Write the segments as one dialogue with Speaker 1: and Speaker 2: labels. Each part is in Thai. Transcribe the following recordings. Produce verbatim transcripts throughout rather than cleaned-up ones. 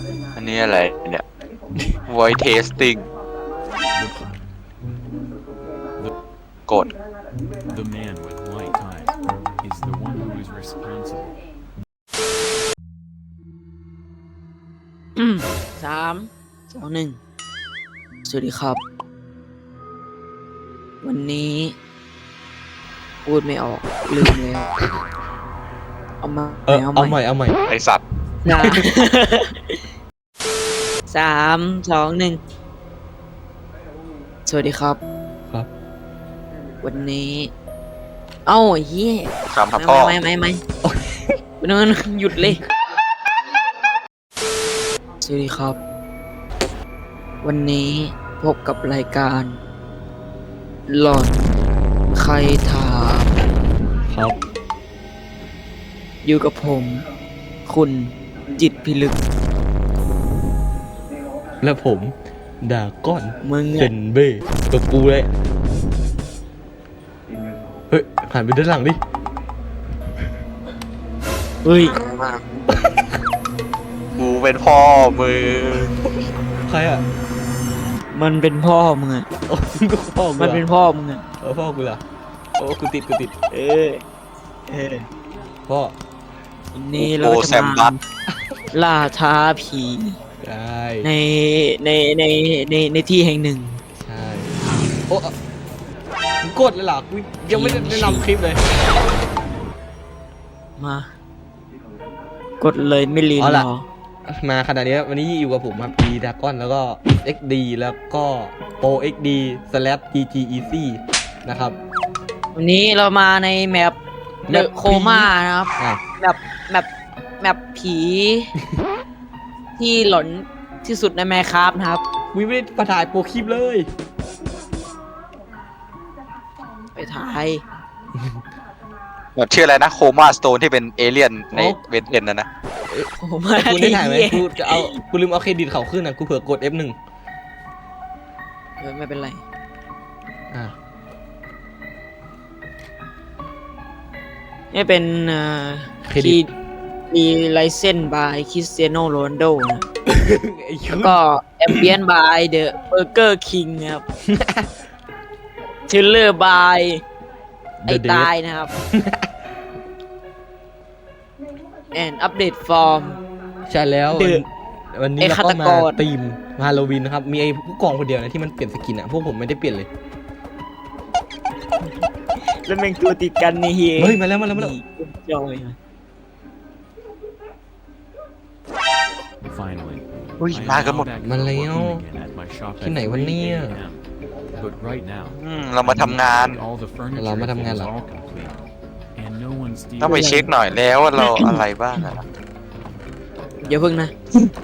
Speaker 1: อันนี้อะไรเนี่ย voice testing กด
Speaker 2: The man with white ties is the one who is responsible.
Speaker 3: สามสองหนึ่งสวัสดีครับ วันนี้พูดไม่ออกลืมแล้วเอามา
Speaker 4: เออเอาใหม่เอาใหม่
Speaker 1: ไอสัตว์
Speaker 3: นะ สามสองหนึ่งสวัสดีครับ
Speaker 4: ครับ
Speaker 3: วันนี้ เอ้าไอ้เหี้ย
Speaker 1: คำครับพ่อ
Speaker 3: ไม่ไม่ไม่ไม่นอนหยุดเลย สวัสดีครับ วันนี้พบกับรายการหลอดใครถาม
Speaker 4: ครับ
Speaker 3: อยู่กับผม คุณจิตรพิลึก
Speaker 4: และผมดาก้อน
Speaker 3: มึง
Speaker 4: เซ
Speaker 3: อะ
Speaker 4: นเบ้ตัวกูเลยเฮ้ยหันไปด้านหลังดิ
Speaker 3: เฮ้ย
Speaker 1: กูเป็นพ่อมือ
Speaker 4: ใครอ่ะ
Speaker 3: มันเป็นพ่อมึงอะ
Speaker 4: โอ้กูพ่อกู
Speaker 3: มัน
Speaker 4: เหร
Speaker 3: เป็น
Speaker 4: อ
Speaker 3: พ่อมึงอะ
Speaker 4: เออพ่อกูล่ะโอ้กูติดกูติด
Speaker 3: เออเออ
Speaker 4: พ่อ
Speaker 3: วันนี้เรา
Speaker 1: โอ้
Speaker 3: จะ
Speaker 1: แซมบั
Speaker 3: มา
Speaker 1: ส
Speaker 3: ล่าท้าผี
Speaker 4: ได้
Speaker 3: ในในในในในที่แห่งหนึ่ง
Speaker 4: ใช่โอ้มึงกดเลยเหรอกูยังไม่ได้แนะนำคลิปเลย
Speaker 3: มา กดเลยไม่รีร
Speaker 4: เอาล่ะ
Speaker 3: อ
Speaker 4: มาขนาดนี้วันนี้อยู่กับผมครับดีดาก้อนแล้วก็ เอ็กซ์ ดี แล้วก็โปร เอ็กซ์ ดี slash จี จี easy นะครับ
Speaker 3: วันนี้เรามาในแมปเดอะ
Speaker 4: แมปผี
Speaker 3: โคม่านะครับ
Speaker 4: อ่ะ
Speaker 3: แมปแมปแมปผี ที่หลอนที่สุดในแมคครับนะครับ
Speaker 4: วิไม่ได้ประถ่ายโปรคลิปเลย
Speaker 3: ไปถ่าย
Speaker 1: แบบชื่ออะไรนะโคม่าสโตนที่เป็นเอเลี่ยนใน
Speaker 4: โอ้
Speaker 1: เวนเอ็นนะนะ
Speaker 3: โคม่า
Speaker 4: กูได้ถ่ายไหม
Speaker 3: เหี้
Speaker 4: กูจะเอากูลืมเอาเครดิตเขาขึ้นนะกูเผื่อกด เอฟ หนึ่ง
Speaker 3: เออไม่เป็นไร
Speaker 4: อ่ะ
Speaker 3: นี่เป็นเอ่อ
Speaker 4: เครดิต
Speaker 3: มีไลเซนบายคริสเตียโนโรนลโดนะ
Speaker 4: ไอ้
Speaker 3: แล้
Speaker 4: ชุ
Speaker 3: ว
Speaker 4: ด
Speaker 3: ก็แอมเบียนบายเดอะเบอร์เกอร์คิงครับทิลเลอร์บายไอ้ตายนะครับ and update form
Speaker 4: ใช่แล้ว
Speaker 3: เดือด
Speaker 4: วันนี้
Speaker 3: ไอ้
Speaker 4: เรา
Speaker 3: ฆา
Speaker 4: ก็
Speaker 3: ต
Speaker 4: มาก
Speaker 3: ร
Speaker 4: ทีมฮาโลวีนนะครับ มีไอ้ผู้กองคนเดียวนะที่มันเปลี่ยนสกินอ่ะ พวกผมไม่ได้เปลี่ยนเลย
Speaker 3: แล้วแม่งตัวติดกันนี่เฮีย
Speaker 4: เฮ้ย มาแล้วมาแล้วมาแล้ว
Speaker 3: จอย
Speaker 2: Finally,
Speaker 1: อุ้ย
Speaker 2: I am
Speaker 1: มากันหม
Speaker 2: now
Speaker 1: ด
Speaker 2: back
Speaker 4: มา
Speaker 2: to
Speaker 4: แล้ว
Speaker 2: working again at my shop at
Speaker 4: ที่ไหนวะ
Speaker 2: three
Speaker 4: เนี่ย
Speaker 2: a m But right now,
Speaker 1: อืมเรามาทำงาน
Speaker 2: all the furniture
Speaker 4: เรามาทำงานเหรอ
Speaker 2: is all complete, and no one's
Speaker 1: ต้องไปเช็คหน่อยแล้วว่าเราอะไรบ้างอะนะ
Speaker 3: อย่าเพิ่งนะ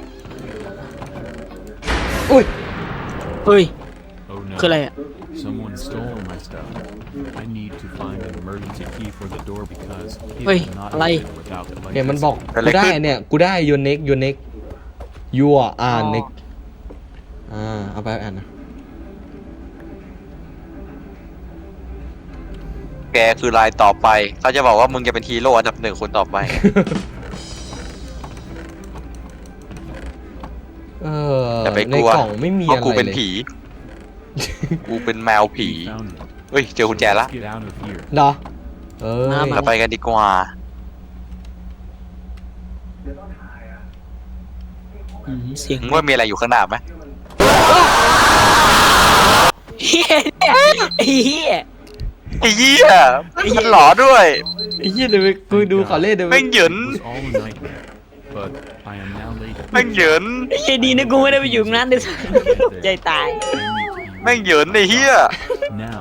Speaker 4: อุ้ย
Speaker 3: เฮ้ย
Speaker 2: Oh no!
Speaker 3: คืออะไรอ่ะ
Speaker 2: Someone stole my stuff. I need to find an emergency key for the door because it
Speaker 3: เฮ้ย
Speaker 2: cannot
Speaker 3: อะไร
Speaker 2: open without
Speaker 4: เนี่ยมันบอก
Speaker 1: เกิดอะไร
Speaker 4: กูได้
Speaker 1: ขึ้น
Speaker 4: เนี่ย กูได้ your neck your neck your are neck อ่า เอาไปอ่านนะ
Speaker 1: แกคือรายต่อไป เขาจะบอกว่ามึงจะเป็นฮีโร่อันดับหนึ่งคนต่อไป
Speaker 4: เออ
Speaker 1: อย่าไป
Speaker 4: ใน
Speaker 1: กลัว
Speaker 4: กล่องไม่มี
Speaker 1: เพราะ
Speaker 4: อะไร
Speaker 1: กูเป็น
Speaker 4: เลย
Speaker 1: ผี กูเป็นแมวผี
Speaker 2: He found it.
Speaker 1: เฮ้ย เจอกุญแจ
Speaker 2: So
Speaker 1: ละ
Speaker 2: let's get out of here.
Speaker 4: เหรอ เออ
Speaker 3: มามา
Speaker 1: เราไปกันดีกว่า
Speaker 3: อืมเสียง
Speaker 1: มึงว่ามีอะไรอยู่ข้างหน้าไหม
Speaker 3: เฮียไอ้เฮีย
Speaker 1: ไอ้เหี้ยมันหลอด้วย
Speaker 4: ไอ้เหี้ยเดี๋ยวไปกูดูเขาเล่นเดี๋ยวไป
Speaker 1: แม่งเหยิน
Speaker 2: It was all a nightmare, but I am now late.
Speaker 1: แม่งเหยิน
Speaker 3: ไอ้เฮียดีนะกูไม่ได้ไปอยู่ตรงนั้นด้วยซ้ำใจตาย
Speaker 1: แม่งเหยินไอ้เหี้ย
Speaker 2: Now,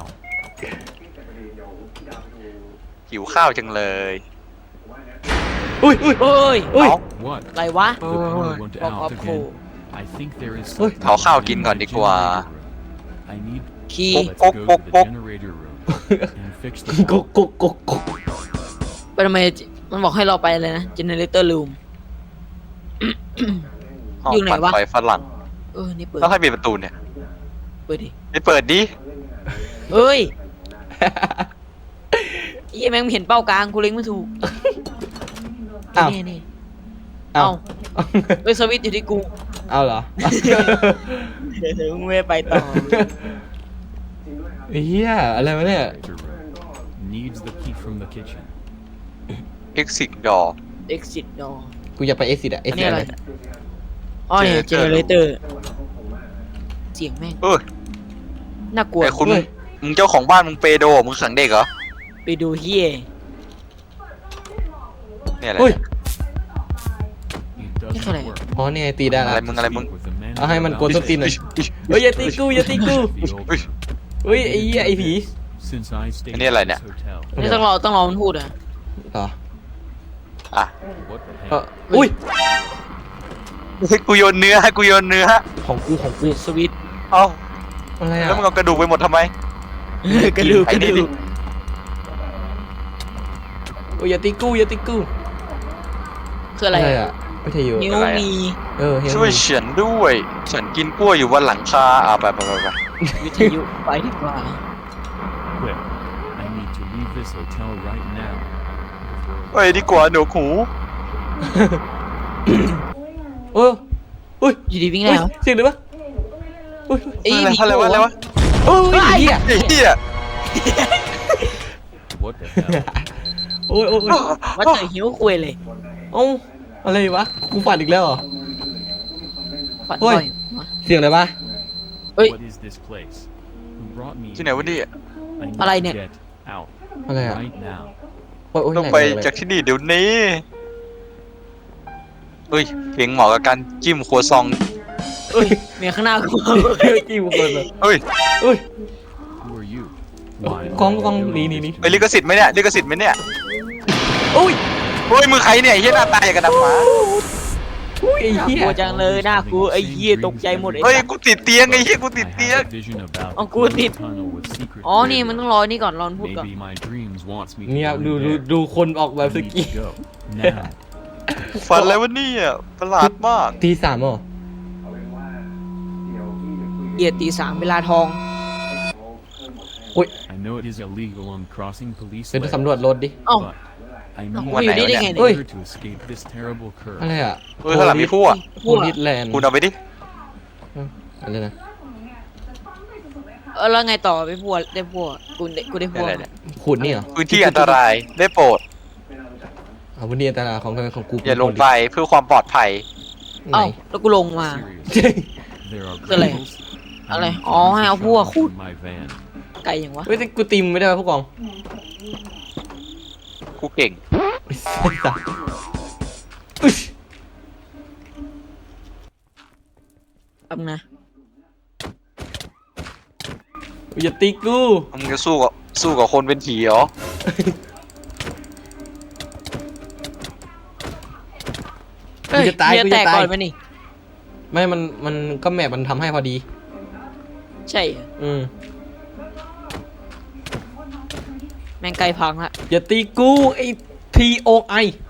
Speaker 1: หิวข้าวจังเลย
Speaker 4: อุ้ยอุ้ย
Speaker 3: โอ้ย
Speaker 4: อุ้ย
Speaker 1: เอา
Speaker 2: what?
Speaker 3: อะไรวะ
Speaker 2: The power went
Speaker 3: บอกออ
Speaker 2: out
Speaker 3: ฟโค
Speaker 2: again. I think there is
Speaker 4: เฮ้ย
Speaker 2: something
Speaker 1: เอาข้าวกิน
Speaker 2: in
Speaker 1: ก่อน
Speaker 2: the
Speaker 1: ดีกว่า
Speaker 2: generator room. I need
Speaker 3: คีย์
Speaker 1: ปุ๊บ
Speaker 2: let's
Speaker 1: ปุ๊บ
Speaker 2: go
Speaker 1: ปุ๊บ
Speaker 2: to
Speaker 1: ปุ๊
Speaker 2: the
Speaker 1: บ
Speaker 2: generator room and fix the
Speaker 4: ก
Speaker 2: wall.
Speaker 4: กกกกก
Speaker 3: ไปทำไมมันบอกให้เราไปเลยนะ generator room
Speaker 1: ห้อง
Speaker 3: อยู่ไหน
Speaker 1: ปั่น
Speaker 3: วะ
Speaker 1: ไฟฝรั่ง
Speaker 3: เออ นี่เปิด
Speaker 1: แล้วใครมีประตูเนี่ย
Speaker 3: เปิดดิ
Speaker 1: ไม่เปิดดิ
Speaker 3: เฮ้ยไอ้เหี้ยแม่งเห็นเป้ากลางกูเล็งไม่ถูก
Speaker 4: อ้าว
Speaker 3: นี่นี่
Speaker 4: อ้า
Speaker 3: เอ้าว เเฮ้ยสวิตช์อยู่ที่กู
Speaker 4: เอาเหรอ
Speaker 3: เดี๋ยวมึงไม่ไปต่อ
Speaker 4: เฮียอะไรวะเนี่ย
Speaker 2: Director room. Needs the key from the kitchen.
Speaker 1: exit door
Speaker 3: exit door
Speaker 4: กูอยากไปเอ็กซิสอะเอ็
Speaker 3: อั
Speaker 4: ก
Speaker 3: น
Speaker 4: ซิ
Speaker 3: นี้
Speaker 4: ส
Speaker 3: อะไร
Speaker 4: อะไร
Speaker 3: อ๋อเนี่ย
Speaker 1: Generator
Speaker 3: generator เสียงแม่ง
Speaker 1: เออ
Speaker 3: น่ากลัว
Speaker 1: ไอ้คุณ
Speaker 3: เว้ย
Speaker 1: มึงเจ้าของบ้านมึงเปโดมึงขังเด็กเหรอ
Speaker 3: ไปดูเฮีย
Speaker 1: เนี่ยอะไร
Speaker 4: เฮ้ย
Speaker 2: It
Speaker 3: Cái
Speaker 2: doesn't
Speaker 3: này.
Speaker 2: work.
Speaker 4: อ๋อนี่ไงตีได้ละ
Speaker 1: อะไรมึงอะไรมึง
Speaker 2: Speak with the man
Speaker 4: เอาให้มัน
Speaker 2: about
Speaker 4: กดส้นตีนหน่อย
Speaker 2: this
Speaker 4: เฮ้ยอย่าตีกูอย่าตีกู
Speaker 2: be over.
Speaker 4: เฮ้ยไอ้เหี้ยไอ้ผี
Speaker 2: Since I stayed
Speaker 1: Cái này là
Speaker 2: at this
Speaker 1: nè.
Speaker 2: hotel,
Speaker 3: นี่ต้องรอต้องรอมันพูดอ่ะ
Speaker 4: เหรอ
Speaker 1: อ่ะ
Speaker 2: what the
Speaker 4: เออ
Speaker 2: hell?
Speaker 4: อุ้ย
Speaker 1: กูโยนเนื้อกูโยนเนื้อ
Speaker 4: ของกูของกู
Speaker 3: สวิตช์
Speaker 1: เอ้า
Speaker 4: อะไรอ่ะ
Speaker 1: แล้วมึงเอากระดูกไปหมดทำไม
Speaker 3: กระดูก
Speaker 1: ไอ้
Speaker 3: กระ
Speaker 1: นี่ดิ
Speaker 3: ดูก
Speaker 4: โอ้ยอย่าตีกูอย่าตีกู
Speaker 3: คืออะไร
Speaker 4: อะไร
Speaker 3: อะ
Speaker 4: อ่ะไม่ใช่อยู่
Speaker 3: นิ้ว
Speaker 1: อะไรอะ
Speaker 3: มี
Speaker 4: เออเฮีย
Speaker 1: ช่วยฉันด้วย ฉันกินกล้วยอยู่บนหลังคาอ่ะไปไปไปไป
Speaker 3: วิทยุไปดีกว่า
Speaker 2: Quick. I need to leave this hotel right now.
Speaker 1: เฮ้ยดีกว่าหนูหู
Speaker 4: เอออุ้ย
Speaker 3: อยู่ดีวิ่ง
Speaker 4: อุ้
Speaker 3: แล้
Speaker 4: ยว เสียงเลยวะอุ้ย
Speaker 3: เอ้ย
Speaker 1: อะไร
Speaker 3: มี
Speaker 1: อะไรวะอะไรวะ
Speaker 4: โอ้ยไอ้เหี้ย
Speaker 1: ไอ้เหี้ย
Speaker 2: What the hell?
Speaker 4: โอ้ยโอ้ยโอ้ย
Speaker 3: ว่าเจอหิวคุยเลย
Speaker 4: เอ้าอะไรวะกูฝันอีกแล้วเหรอ
Speaker 3: ฝัน
Speaker 4: เฮ้
Speaker 3: บ่
Speaker 4: ย
Speaker 3: อยมะ
Speaker 4: เสียงอะไรปะ
Speaker 3: เฮ้ย
Speaker 2: What is this place? Who brought me
Speaker 1: ที่ไหนวะเนี่ย
Speaker 2: I need
Speaker 3: อะไร
Speaker 2: to
Speaker 3: เนี่ย
Speaker 2: get out
Speaker 4: อะไรอ่ะ
Speaker 2: right now.
Speaker 4: โอ้ยโอ้ย
Speaker 1: ต้อง
Speaker 4: หน
Speaker 1: ไป
Speaker 4: หนหน
Speaker 1: จากที่นี่เดี๋ยวนี้เฮ้ยเพลงเหมาะกับการจิ้มครัวซอง
Speaker 3: เฮ้ยเมียข้างหน้ากู
Speaker 4: เฮ้ยจิ้มกูเลย
Speaker 1: เฮ้ย
Speaker 4: เฮ้ย
Speaker 2: Who are you? Why?
Speaker 4: กล้อง
Speaker 2: are you
Speaker 4: กล้อง
Speaker 2: doing
Speaker 4: นี่นี่
Speaker 2: this
Speaker 4: นี่
Speaker 2: to
Speaker 1: เฮ้ย
Speaker 2: me?
Speaker 1: ลิขสิทธิ์ไหมเนี่ยลิขสิทธิ์ไหมเนี่ย
Speaker 4: โอ้ย
Speaker 1: เฮ้ยมือใครเนี่ยไอ้เหี้ยหน้าตาอย่างกับดำหมา
Speaker 4: อุ้ยไอ้เหี้ย
Speaker 3: กลัวจังเลยหน้ากูไอ้เหี้ยตกใจหมดไอ้
Speaker 1: เฮ้ย
Speaker 3: สัส
Speaker 1: กูติดเตียงไอ้เหี้ยกูติด
Speaker 2: I
Speaker 1: เตียง
Speaker 2: have a vision about
Speaker 3: Ông
Speaker 2: the
Speaker 3: cua
Speaker 2: glowing
Speaker 3: thịt.
Speaker 2: tunnel with secret
Speaker 3: อ๋อนี่
Speaker 2: doors.
Speaker 3: มันต้องรอนี่ก่อนรอนพูดก่อน
Speaker 2: Maybe my dreams wants me to
Speaker 4: เนี่ย
Speaker 2: go
Speaker 4: ดู
Speaker 2: in
Speaker 4: ดู
Speaker 2: there.
Speaker 4: ดูคนออกแบบ
Speaker 2: I
Speaker 4: ส
Speaker 2: need
Speaker 4: กี้
Speaker 2: to go now.
Speaker 1: ฝันอะไรวะเนี่ยประหลาดมาก
Speaker 4: ตีสามเหรอ
Speaker 3: เหยียดตีสามเวลาทอง
Speaker 2: I know it is illegal on crossing police
Speaker 4: เดี๋ยว
Speaker 2: land,
Speaker 4: สำรวจรถดิ
Speaker 3: เอ้า
Speaker 2: but I
Speaker 3: เอ้า
Speaker 2: need
Speaker 3: กูอยู่นี่ได้ไง
Speaker 2: in
Speaker 3: เนี่ย
Speaker 4: เฮ้ย
Speaker 2: order to escape this terrible curse.
Speaker 4: อะไรอ่ะ
Speaker 1: เฮ้ยข้างหลังมีผู้อ่ะ
Speaker 4: โพลิสแลนด์
Speaker 1: คุณเอาไปดิ
Speaker 4: อะไรนะ
Speaker 3: เออแล้วไงต่อไปพวกได้พวกกูได้กูได้พวก
Speaker 1: อะไรเนี่ย
Speaker 4: ขุดนี่เหรอ
Speaker 1: พื้นที่อันตรายได้โปรด
Speaker 4: เอาวันนี้อันตรายของของกู
Speaker 1: อย่าลงไปเพื่อความปลอดภัย
Speaker 4: ไหน
Speaker 3: เอ้าแล้วกูลงมา
Speaker 2: Seriously, there are
Speaker 3: Cái này.
Speaker 2: criminals. I
Speaker 3: Cái này.
Speaker 2: need to
Speaker 3: Ồ,
Speaker 2: use
Speaker 3: hay
Speaker 2: the
Speaker 3: áo vua
Speaker 2: tunnel
Speaker 3: khút.
Speaker 2: in my van.
Speaker 3: ไกลอย่างวะ
Speaker 4: เฮ้ยแต่กูตีมไม่ได้ป่ะผู้กอง
Speaker 1: กูเก่ง
Speaker 4: ไอ้สัสอุ๊ย
Speaker 3: แป๊บนะ
Speaker 4: อย่าตีกู
Speaker 1: มึงจะสู้กับสู้กับคนเป็นผีเหรอ
Speaker 3: เฮ้ย
Speaker 4: กูจะตาย
Speaker 3: เมีย
Speaker 4: กู
Speaker 3: แต
Speaker 4: จะ
Speaker 3: ก
Speaker 4: ตา
Speaker 3: ก่
Speaker 4: ย
Speaker 3: อนไหมนี่
Speaker 4: ไม่มันมันก็แมปมันทำให้พอดี
Speaker 3: ใช่เหรอ
Speaker 4: อืม
Speaker 3: แม่งไกลพังละ
Speaker 4: อย่าตีกูไอ้ ที โอ ไอ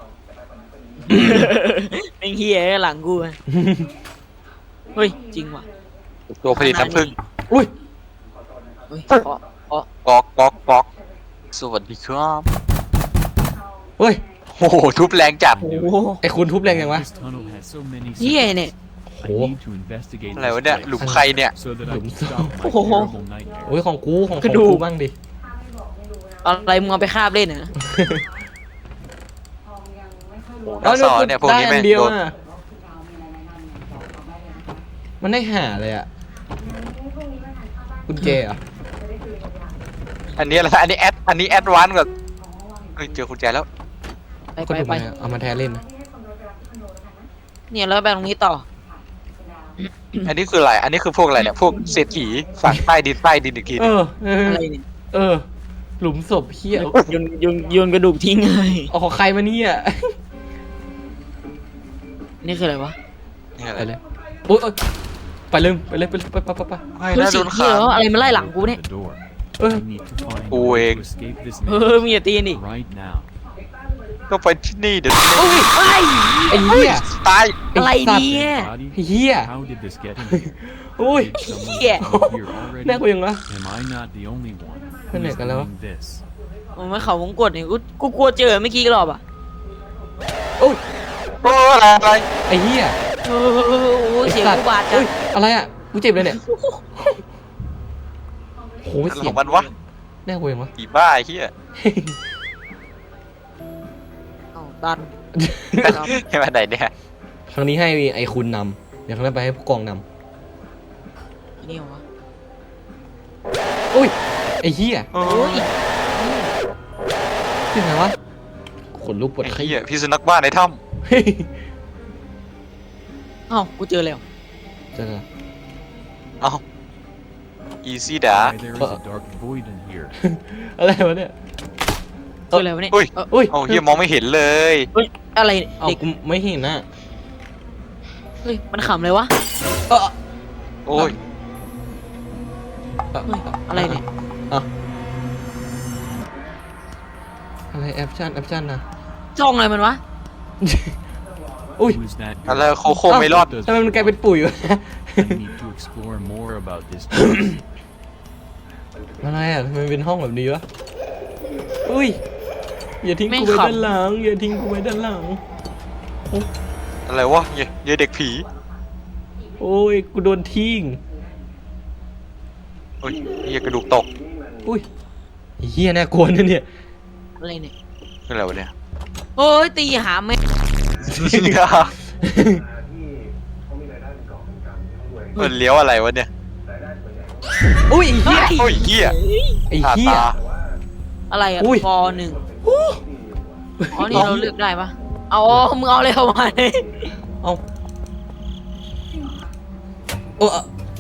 Speaker 3: แม่งเฮียหลังกูอะเฮ้ยจริงว่ะ
Speaker 1: ตัวผลิตน้ำผึ้ง
Speaker 4: อุ้ย
Speaker 3: เฮ้ยเพราะเพราะ
Speaker 1: กอกกอกกอกสวัสดีครับ
Speaker 4: เฮ้ย
Speaker 1: โอ้โหทุบแรงจัด
Speaker 3: โอ้โห
Speaker 4: ไอ้คุณทุบแรงยังวะ
Speaker 2: This tunnel has so many
Speaker 3: เฮีย
Speaker 2: secrets.
Speaker 3: เนี่ย
Speaker 2: I need to investigate
Speaker 1: อะไร
Speaker 2: this
Speaker 1: วะเนี่ย
Speaker 2: place
Speaker 1: หลุมใครเนี่ย
Speaker 2: so that I
Speaker 4: Lụm
Speaker 2: can stop my
Speaker 3: Ồ.
Speaker 2: terrible nightmares.
Speaker 4: โอ้ยของกูของข
Speaker 3: ก
Speaker 4: อง
Speaker 3: ระดูก
Speaker 4: กูบ้างดิ
Speaker 3: อะไรมึงเอาไปคาบเล่นเหรอ
Speaker 1: น้องสอนเนี่ยพวกนี้
Speaker 4: ได้
Speaker 1: แม่
Speaker 4: อั
Speaker 1: ง
Speaker 4: เดียว
Speaker 1: โดน
Speaker 4: อะมันได้หาเลยอ่ะกุญแจเหรอ่ะ
Speaker 1: อันนี้อะไรอันนี้แอดอันนี้แอดวานซ์กว่าเฮ้ยเจอคุณแจแล้ว
Speaker 3: ไป
Speaker 4: ก็
Speaker 3: ไป
Speaker 4: ดู
Speaker 3: ไป
Speaker 4: มาเอามาแทนเล่นนะ
Speaker 3: เนี่ยแล้วไปตรงนี้ต่อ
Speaker 1: อันนี้คืออะไรอันนี้คือพวกอะไรเนี่ยพวกเศรษฐีฝังใต้ดินใต้ดินอีกที
Speaker 4: เออเออ
Speaker 3: อะไรเนี่ย
Speaker 4: เออ หลุมศพเฮีย
Speaker 3: โยนโยนโยนกระดูกทิ้งเลย
Speaker 4: เอาของใครมาเนี่ย
Speaker 3: นี่คืออะไรวะ
Speaker 1: นี่อะไร
Speaker 4: ไปเลยโอ๊ยโอ๊ยไปเลยไปเลยไปเลยไปไปไปไป
Speaker 1: ไม่
Speaker 3: คือ
Speaker 1: น่าโด
Speaker 3: สิ่ง
Speaker 1: น
Speaker 3: ที่
Speaker 1: ขัง
Speaker 3: แล้วอะไรมาไล่หลังกูเนี่ย
Speaker 2: The door.
Speaker 4: เออ
Speaker 2: I need to find a
Speaker 1: Ui.
Speaker 2: way to escape this
Speaker 3: เอ
Speaker 2: maze
Speaker 3: อมึงอย่าตีนี่
Speaker 2: right now.
Speaker 1: ก็ไปที่นี่เดี๋ยวนี้
Speaker 3: โอ้ยไอ้
Speaker 4: ไอ้เหี้ย
Speaker 1: ตาย
Speaker 3: อะไร
Speaker 4: ไอ้สัตว์
Speaker 3: เนี่ย
Speaker 2: Body?
Speaker 4: เฮีย
Speaker 2: How did this get in here?
Speaker 4: อุ้ย
Speaker 2: Did someone
Speaker 3: Yeah.
Speaker 2: come here already?
Speaker 4: น่ากลัวยังวะ
Speaker 2: Am I not the only one
Speaker 4: ไปไหน
Speaker 2: who's
Speaker 4: กันแล้ววะ
Speaker 2: doing this?
Speaker 3: มันไม่เขาวงกดเนี่ยกูกูกลัวเจอเมื่อกี้รอบอ่ะ
Speaker 4: โอ้ย
Speaker 1: โอ้อะไรอะไร
Speaker 4: ไอ้เหี้ย
Speaker 3: เออโอ้ยเสียง
Speaker 4: ไอ้สัต
Speaker 3: กู
Speaker 4: ว์
Speaker 3: บาดจั
Speaker 4: เฮ้
Speaker 3: ง
Speaker 4: ยอะไรอ่ะกูเจ็บเลยเนี่ยโห
Speaker 1: อะไร
Speaker 4: เสี
Speaker 1: ข
Speaker 4: ย
Speaker 1: อง งมันวะ
Speaker 4: แน่กลัวยังวะ
Speaker 1: ผีบ้าไอ้เหี้ย
Speaker 3: เอาตัน
Speaker 1: ให้มาไหนเนี่ย
Speaker 4: ครั้งนี้ให้ไอ้คุณนำเดี๋ยวครั้งหน้าไปให้ผู้กองน
Speaker 3: นี่เหรอวะ
Speaker 4: ำอุ้ยไอ้เหี้ย
Speaker 1: โอ้
Speaker 3: โอ้ย
Speaker 4: เป็นไงวะขนลุกปวด
Speaker 1: ไอ้
Speaker 4: ขี้
Speaker 1: เหี้ยพี่สุนัขบ้านในถ้
Speaker 4: เฮ้ย
Speaker 3: เอ้ากูเจอแล้ว
Speaker 4: เจอ
Speaker 1: ำเอ้า easy ด่า
Speaker 2: Why, there is a dark void in here.
Speaker 4: อะไรวะเนี่ย
Speaker 3: เจอแล้ววะเนี่ย
Speaker 1: อุ้ย
Speaker 3: เอ้า
Speaker 4: อุ้ย
Speaker 1: เอ้าเหี้ยมองไม่เห็นเลย
Speaker 3: เฮ้ยอะไรเนี่ย
Speaker 4: เอา
Speaker 3: เด็ก
Speaker 4: กูไม่เห็นนะ
Speaker 3: เฮ้ยมันขำเลยวะ
Speaker 4: เออ
Speaker 1: โอ้ย
Speaker 4: เอ่อ
Speaker 3: เฮ้ยอะไรเนี่ย
Speaker 4: อ่ะอะไรแอปชั่นแอปชั่นนะ
Speaker 3: จ้องอะไรมันวะ
Speaker 4: อุ้ย
Speaker 2: Who's that?
Speaker 1: อะไร
Speaker 2: girl?
Speaker 1: โคโค่ไม่รอด
Speaker 2: Does
Speaker 4: ทำไมมันกลายเป็นปุ๋ยวะ
Speaker 2: I need to explore more about this place.
Speaker 4: อะไรอ่ะทำไมเป็นห้องแบบนี้วะ อุ้ย อย่าทิ้ง
Speaker 3: ไม่
Speaker 4: กูไว้
Speaker 3: ขำ
Speaker 4: ด้านหลัง อย่าทิ้งกูไว้ด้านหลัง
Speaker 1: อะไรวะเหี้ยเหี้ยเด็กผี
Speaker 4: โอ้ย กูโดนทิ้ง
Speaker 1: โอ้ยเหี้ยกระดูกตก
Speaker 4: อุ้ยไอ้เฮียน่ากลัวนะเนี่ย
Speaker 3: อะไรเนี่ย
Speaker 1: นี่อะไรวะเนี่ย
Speaker 3: โอ้ยตีหาแม่ง
Speaker 1: มันเลี้ยวอะไรวะเนี่ย
Speaker 4: อุ้ยไอ้เฮีย
Speaker 1: โอ้ยเหี้ย
Speaker 4: ไอ้
Speaker 1: ตา
Speaker 4: เฮีย
Speaker 1: ตา
Speaker 3: อะไรอะ
Speaker 4: อุ้ย
Speaker 3: ฟอหนึ่งอ๋อนี่เราเลือกได้ปะเอาอ๋อมึงเอาอะไรเข้ามาเนี่ย
Speaker 4: เอาโอ้อะ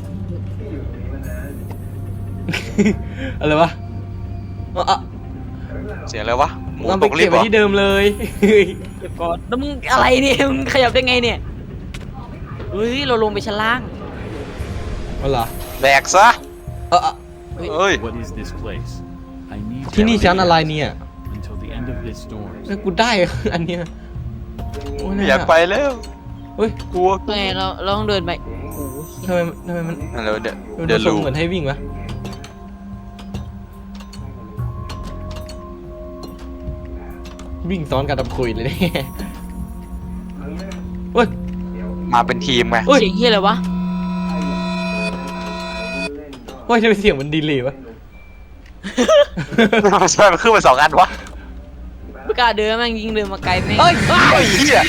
Speaker 4: อะไรวะเอาอะ
Speaker 1: เสียงอะไรวะหมู
Speaker 4: เอา
Speaker 1: ต
Speaker 4: ไป
Speaker 1: กลิ
Speaker 4: เก็
Speaker 1: ฟ
Speaker 4: บ
Speaker 1: ต์เหร
Speaker 4: ไว้
Speaker 1: อ
Speaker 4: ที่เดิมเลย
Speaker 3: เก็บก่อนแล้วมึงอะไรเนี่ยมึงขยับได้ไงเนี่ยเฮ้ยเราลงไปชั้นล่าง
Speaker 4: เอาเหรอ
Speaker 1: แดกซะ
Speaker 4: เอออะ
Speaker 1: เอ้ย
Speaker 2: What is this place? I need
Speaker 4: ที่นี่
Speaker 2: to
Speaker 4: ชั้นอะไรเนี่ย
Speaker 2: until the end of this storm.
Speaker 4: แล้วกูได้อันเนี้ยโอ้ย
Speaker 1: ไม่อยากไปแล้ว
Speaker 4: เฮ้ย
Speaker 1: กลัว
Speaker 3: ไงเราเราต้องเดินไปโอ้โห
Speaker 4: ทำไมทำไมมัน
Speaker 1: อะไรวะเนี่ย
Speaker 4: มัน
Speaker 1: เดิน
Speaker 4: ทร
Speaker 1: ลู
Speaker 4: งเหมือนให้วิ่งวะวิ่งซ้อนกันตะคุยเลยเนี่ยเฮ้ย
Speaker 1: มาเป็นทีมไง
Speaker 4: เฮ้ย
Speaker 3: เสียงเฮียอะไรวะ
Speaker 4: เฮ้ยทำไมเสียงมันดีเลยวะ
Speaker 1: มันช่วยมันขึ้นมาสองอันวะ
Speaker 3: ไม่กล้าเดินแม่งยิงเดินมาไกลแม่ง
Speaker 4: เฮ้ย
Speaker 1: ไอ้เหี้ย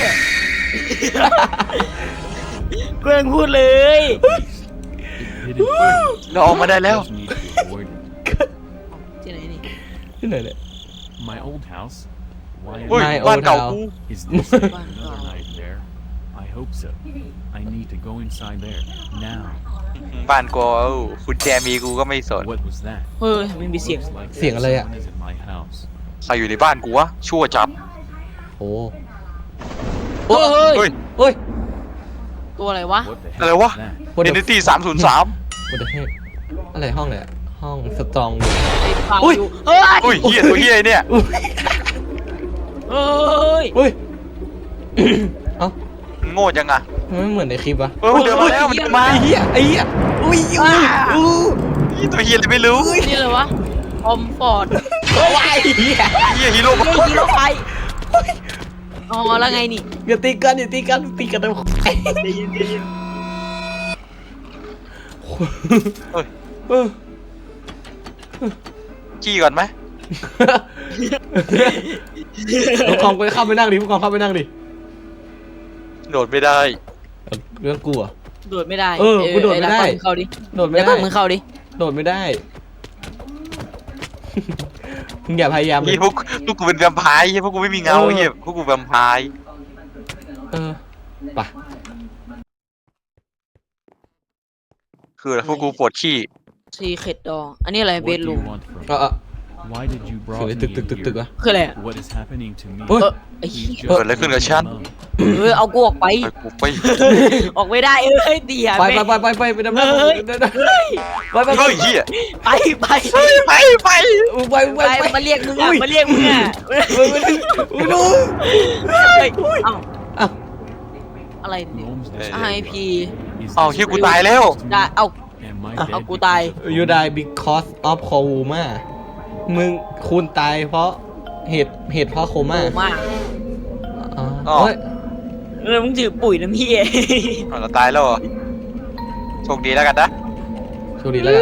Speaker 3: เพื่อนพูดเลย
Speaker 2: Hidden place
Speaker 1: เราออกมาได้แล้ว
Speaker 2: just need to be avoided.
Speaker 3: ที่ไหนนี่
Speaker 4: ที่ไหนเนี่ย
Speaker 2: My old house. Why
Speaker 1: อุ้ย
Speaker 4: My
Speaker 1: บ้าน
Speaker 4: old
Speaker 1: เก่า
Speaker 4: house
Speaker 1: กู
Speaker 2: is this yet
Speaker 3: Wow.
Speaker 2: another nightmare? I hope so. I need to go inside there now.
Speaker 1: บ้านกูเอาคุณแจมีกูก็ไม่สน
Speaker 2: What was that?
Speaker 3: เฮ้ยไม่มีเสียง
Speaker 2: Looks like
Speaker 4: เสียงอะไรอะ
Speaker 2: someone is in my house.
Speaker 1: ใครอยู่ในบ้านกูวะชั่วจับ
Speaker 4: โอ้
Speaker 3: เฮ้ย
Speaker 1: เฮ้ย
Speaker 4: เฮ้ย
Speaker 3: ตัวอะไรวะ
Speaker 2: What the heck
Speaker 1: อะไรวะ
Speaker 2: is that?
Speaker 4: what
Speaker 1: เด
Speaker 4: the
Speaker 1: นิตี้สามศูนย์สาม
Speaker 4: what the heck อะไรห้องเนี่ยห้องสตรอง
Speaker 3: ไอ้ปาก
Speaker 4: อุ้ย
Speaker 3: อยู่เฮ้ย
Speaker 1: อุ้ยเหี้ยตัวเหี้ยไอ้เนี่ย
Speaker 4: อุ้ย
Speaker 3: เฮ้ย
Speaker 4: อุ้ยเอ้า
Speaker 1: มันโง่จังอะ
Speaker 4: มันไม่เหมือนในคลิปวะ
Speaker 1: เออมันเดินมาแล้วมันเดินมา
Speaker 4: ไอ้เหี้ยไอ้เหี้ยอุ้ยอุ้ยอู้
Speaker 1: อีตัวเหี้ยอะไรไม่รู้
Speaker 3: นี่อะไรวะอมฟอร์ด
Speaker 4: ว้ายเหี้ย
Speaker 1: เหี้ยฮีโร่
Speaker 3: เฮ้ยยิงรถไฟอ๋อแล้วไงนี่
Speaker 4: อย่าตีกันอย่าตีกันตีกันทำไม
Speaker 1: เฮ้ย
Speaker 4: เออ
Speaker 1: ขี้ก่อนไหม
Speaker 4: ผู้กองไปเข้าไปนั่งดิผู้กองเข้าไปนั่งดิ
Speaker 1: โดดไม่ได้
Speaker 4: เออเรื่องกูอะ
Speaker 3: โดดไม่ได้
Speaker 4: เออกูโดดไม่ได้
Speaker 3: อ้ดักมึงเข้าดิ
Speaker 4: โดดไม่
Speaker 3: แล้ว
Speaker 4: ได้
Speaker 3: ก็มึงเข้าดิ
Speaker 4: โดดไม่ได้ มึงอย่าพยายามเล
Speaker 1: เหี้
Speaker 4: ย
Speaker 1: ยพวกพวกกูเป็นแวมไพร์เหี้ยพวกกูไม่มีเงา
Speaker 4: เออ
Speaker 1: เหี้ยพวกกูแวมไพร์
Speaker 4: เออไป
Speaker 1: คืออะไรพวกกูปวดขี้
Speaker 3: ซีเค็ดดออันนี้อะไร
Speaker 2: What
Speaker 3: เบ
Speaker 2: do
Speaker 3: ดรู
Speaker 2: you
Speaker 3: ม
Speaker 2: want from
Speaker 4: เออ
Speaker 2: me?
Speaker 4: เออ
Speaker 2: Why did you
Speaker 4: เสีย
Speaker 2: brought
Speaker 4: ง
Speaker 2: me
Speaker 4: ตึกตึก
Speaker 2: in
Speaker 4: ตึกตึก
Speaker 2: here?
Speaker 4: วะ
Speaker 3: คืออะไรอะ
Speaker 2: What is happening to me?
Speaker 4: เฮ้ย
Speaker 3: เออไอ้เหี้ย
Speaker 2: Please just
Speaker 1: เกิดอะไรขึ้นกับฉัน
Speaker 2: leave me alone.
Speaker 3: เออเอากูออกไป
Speaker 1: ไปกูไป
Speaker 3: ออกไม่ได้เอ้ยตีหา
Speaker 4: ไป
Speaker 3: แม่
Speaker 4: ไปไปไปไปไปดำน้ำ
Speaker 3: เฮ้ย
Speaker 4: ไปไปไปไป
Speaker 1: เฮ้ยเหี้ย
Speaker 3: ไปไป
Speaker 1: ไปไปไป
Speaker 4: ไป
Speaker 3: ไป
Speaker 4: ไป
Speaker 3: มาเรียกมึงอ่ะมาเรียกมึงอ่ะ
Speaker 4: ไปดู
Speaker 3: เฮ้ยเอ้า
Speaker 4: อ้าว
Speaker 3: อะไรเนี่ย
Speaker 2: Roam's this
Speaker 3: ไอ
Speaker 2: way.
Speaker 3: พี
Speaker 2: Is
Speaker 1: อ้าว
Speaker 2: this
Speaker 1: เหี้ยกู
Speaker 2: real?
Speaker 1: ตายแล้ว
Speaker 3: ได้เอา
Speaker 2: Am I
Speaker 3: เอา
Speaker 2: dead
Speaker 3: กูตาย
Speaker 2: because of
Speaker 4: ยู
Speaker 2: Roam?
Speaker 4: die because of coma มึงคุณตายเพราะเหตุเหตุเพราะโคม่า
Speaker 3: โอ้มาก
Speaker 4: อ๋อ
Speaker 1: อ๋อ
Speaker 4: เฮ้ย
Speaker 3: แล้วมึงถือปุ๋ยน้ำพี่
Speaker 1: เอาเราตายแล้วเหรอโชคดีแล้วกันนะ
Speaker 4: โชคดีแล้วกัน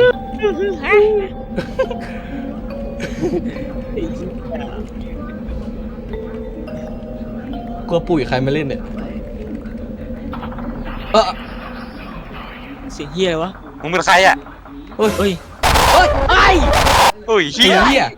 Speaker 4: กลัวปุ๋ยใครมาเล่นเนี่ยเออ
Speaker 3: เสียงเฮียอะไรวะ
Speaker 1: มึงเป็นใครอ่ะ
Speaker 3: เฮ้ยเฮ้ยเฮ้ยไอ้
Speaker 1: อุ้ย
Speaker 4: ไอ้
Speaker 1: เฮีย
Speaker 4: เหี้ย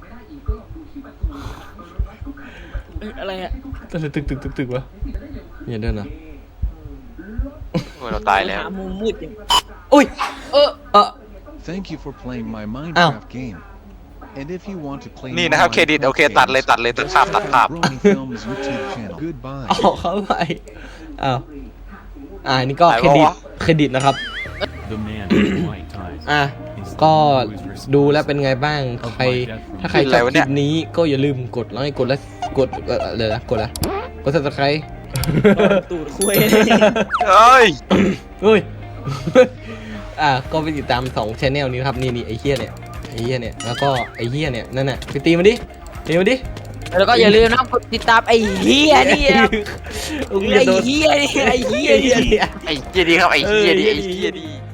Speaker 3: เอ้ยอะไรอะ
Speaker 4: ตึกตึกตึกตึกตึกวะอย่าเดินนะ
Speaker 1: โอ้ยเราตายแล้ว
Speaker 3: หมุมมืดอย่าง
Speaker 4: อุ้ยเออเออ
Speaker 2: Thank you for playing my
Speaker 4: Ow.
Speaker 2: Minecraft game. And if you want to play
Speaker 1: นี่
Speaker 2: more
Speaker 1: นะครับเครดิต
Speaker 2: Minecraft
Speaker 1: โอเคตัดเลย
Speaker 2: games,
Speaker 1: ตัดเลยตัดภาพตัดภาพ
Speaker 2: Brony Films YouTube channel. Goodbye.
Speaker 4: เอาเข้าไปอ้าวอ่านี่ก็
Speaker 1: ไหน
Speaker 4: เครดิต
Speaker 1: วะ
Speaker 4: เครดิตนะครับ
Speaker 2: The man with white ties.
Speaker 4: อ่ะ
Speaker 2: is the
Speaker 4: ก็
Speaker 2: one who is responsible
Speaker 4: ดูแล้วเป็นไงบ้าง ใคร ถ้าใครชอบคลิปนี้ก็อย่าลืมกดไลค์กดและกดเอ่อเลยนะกดละกด subscribe
Speaker 3: ตูดคุย
Speaker 1: เอ้ย
Speaker 4: อุ้ย อ่ะก็ไปติดตามสองช anel นี้นะครับ นี่นี่ไอ้เฮียเนี่ย ไอ้เฮียเนี่ย แล้วก็ไอ้เฮียเนี่ย นั่นน่ะไปตีมันดิตีมันดิ
Speaker 3: แล้วก็อย่าลืมนะกดติดตามไอ้เฮียนี่นะ
Speaker 4: อุ้ย
Speaker 3: ไอ้
Speaker 4: โดน
Speaker 3: เฮียนี่ไอ้เฮีย
Speaker 4: ไอ้เฮีย
Speaker 3: นี่
Speaker 4: เนี่ย
Speaker 1: ไอ้เฮียดีครับไอ้เฮียดีไอ้เฮียดี